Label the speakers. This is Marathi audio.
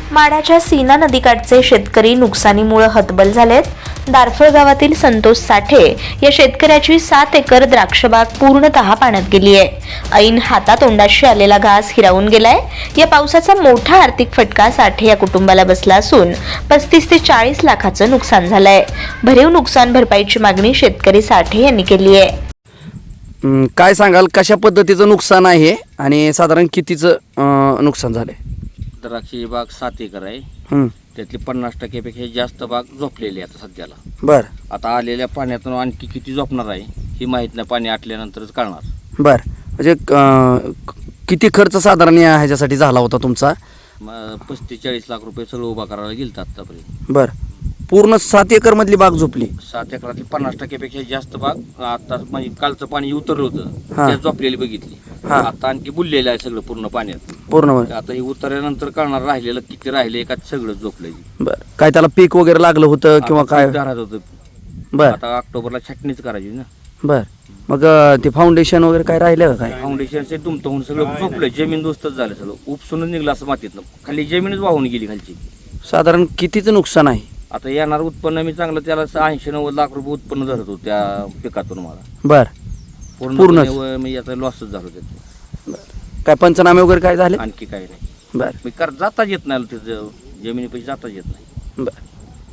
Speaker 1: माढ्याच्या सीना नदीकाठचे शेतकरी नुकसानीमुळे हतबल झालेत. दारफळ गावातील संतोष साठे या शेतकऱ्याची 7 एकर द्राक्षबाग पूर्णतः पाण्यात गेली आहे. ऐन हातातोंडाशी आलेला घास हिरावून गेलाय. या पावसाचा मोठा आर्थिक फटका साठे या कुटुंबाला बसला असून 35 ते 40 लाखाचं नुकसान झालंय. भरीव नुकसान भरपाईची मागणी शेतकरी साठे यांनी केली आहे.
Speaker 2: काय सांगाल, कशा पद्धतीचं नुकसान आहे आणि साधारण कितीचं नुकसान झालंय?
Speaker 3: द्राक्षी बाग 7 एकर आहे. त्यातली 50% जास्त बाग झोपलेली आहे आता सध्याला.
Speaker 2: बर.
Speaker 3: आता आलेल्या पाण्यातून आणखी किती झोपणार आहे ही माहीत नाही, पाणी आटल्यानंतरच कळणार.
Speaker 2: बर. म्हणजे किती खर्च साधारण ह्याच्यासाठी झाला होता तुमचा?
Speaker 3: 35-40 लाख रुपये सगळं उभा करायला गेलं आतापर्यंत.
Speaker 2: बर. पूर्ण 7 एकर मधली बाग झोपली?
Speaker 3: 7 एकरातली 50% जास्त बाग आता म्हणजे कालचं पाणी उतरलं होतं त्यात झोपलेली बघितली. आता आणखी बुललेलं आहे सगळं पूर्ण पाण्यात. पूर्ण आता हे उतरल्यानंतर कळणार राहिलेलं किती राहिले का सगळं झोपलंय.
Speaker 2: बर. काय त्याला पीक वगैरे लागलं होतं किंवा काय?
Speaker 3: राहत होतं.
Speaker 2: बर.
Speaker 3: आता ऑक्टोबरला छाटणीच करायची ना.
Speaker 2: बर. मग ते फाउंडेशन वगैरे काय राहिलं का? काय
Speaker 3: फाउंडेशनचे दुमत होऊन सगळं झोपलंय. जमीन दोस्तच झालं सगळं. उपसूनच निघलं असं मातीतनं. खाली जमीनच वाहून गेली खालची.
Speaker 2: साधारण कितीचं नुकसान आहे?
Speaker 3: आता येणार उत्पन्न मी चांगलं त्याला 80-90 लाख रुपये उत्पन्न धरत होतं त्या पिकातून मला.
Speaker 2: बर.
Speaker 3: पूर्ण मी आता लॉसच झालो त्याचं.
Speaker 2: काय पंचनामे वगैरे काय झाले?
Speaker 3: आणखी काही नाही.
Speaker 2: बर.
Speaker 3: मी जाताच येत नाही, जमिनी पैसे जाताच येत नाही.
Speaker 2: बर.